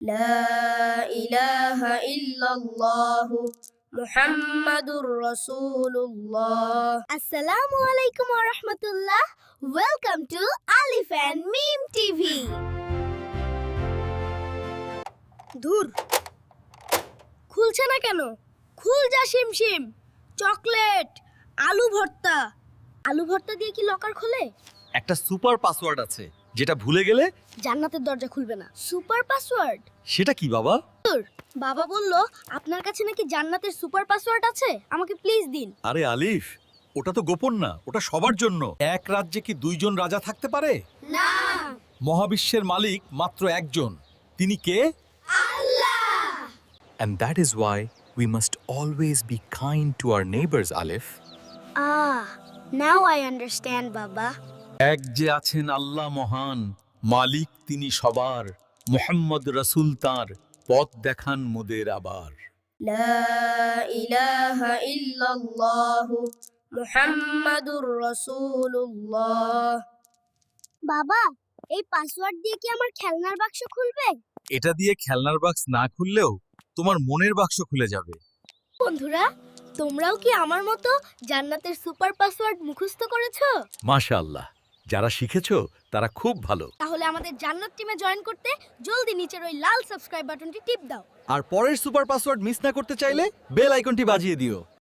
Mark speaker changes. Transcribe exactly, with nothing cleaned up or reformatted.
Speaker 1: لا إله إلا الله محمد رسول الله السلام عليكم ورحمة الله Welcome to Alif and Meme T V ধুর খুলছে না কেন খুল যা শিমশিম চকলেট আলু ভর্তা আলু ভর্তা দিয়ে কি লকার খোলে
Speaker 2: একটা সুপার পাসওয়ার্ড আছে যেটা ভুলে গেলে
Speaker 1: জান্নাতের দরজা খুলবে না সুপার পাসওয়ার্ড
Speaker 2: সেটা কি বাবা?
Speaker 1: বাবা বলল আপনার কাছে নাকি জান্নাতের সুপার পাসওয়ার্ড আছে আমাকে প্লিজ দিন
Speaker 2: আরে আলিফ, ওটা তো গোপন না, ওটা সবার জন্য। এক রাজ্যে কি দুইজন রাজা থাকতে পারে?
Speaker 1: না
Speaker 2: মহাবিশ্বের মালিক মাত্র একজন। তিনি কে?
Speaker 3: And that is why we must always be kind to our neighbors, Alif.
Speaker 1: Ah, now I understand, Baba.
Speaker 2: এক যে আছেন আল্লাহ মহান, মালিক তিনি সবার। মুহাম্মদ রাসূল তাঁর পথ দেখান মোদের আবার।
Speaker 1: লা ইলাহা ইল্লাল্লাহ মুহাম্মাদুর রাসূলুল্লাহ। বাবা, এই পাসওয়ার্ড দিয়ে কি আমার খেলনার বাক্স খুলবে?
Speaker 2: এটা দিয়ে খেলনার বাক্স না খুললেও তোমার মনের বাক্স খুলে যাবে।
Speaker 1: বন্ধুরা, তোমরাও কি আমার মতো জান্নাতের সুপার পাসওয়ার্ড মুখস্থ করেছো?
Speaker 2: মাশাআল্লাহ, যারা শিখেছো তারা খুব ভালো।
Speaker 1: তাহলে আমাদের জান্নাত টিমে জয়েন করতে জলদি নিচের ওই লাল সাবস্ক্রাইব বাটনটি টিপ দাও।
Speaker 2: আর পরের সুপার পাসওয়ার্ড মিস না করতে চাইলে বেল আইকনটি বাজিয়ে দিও।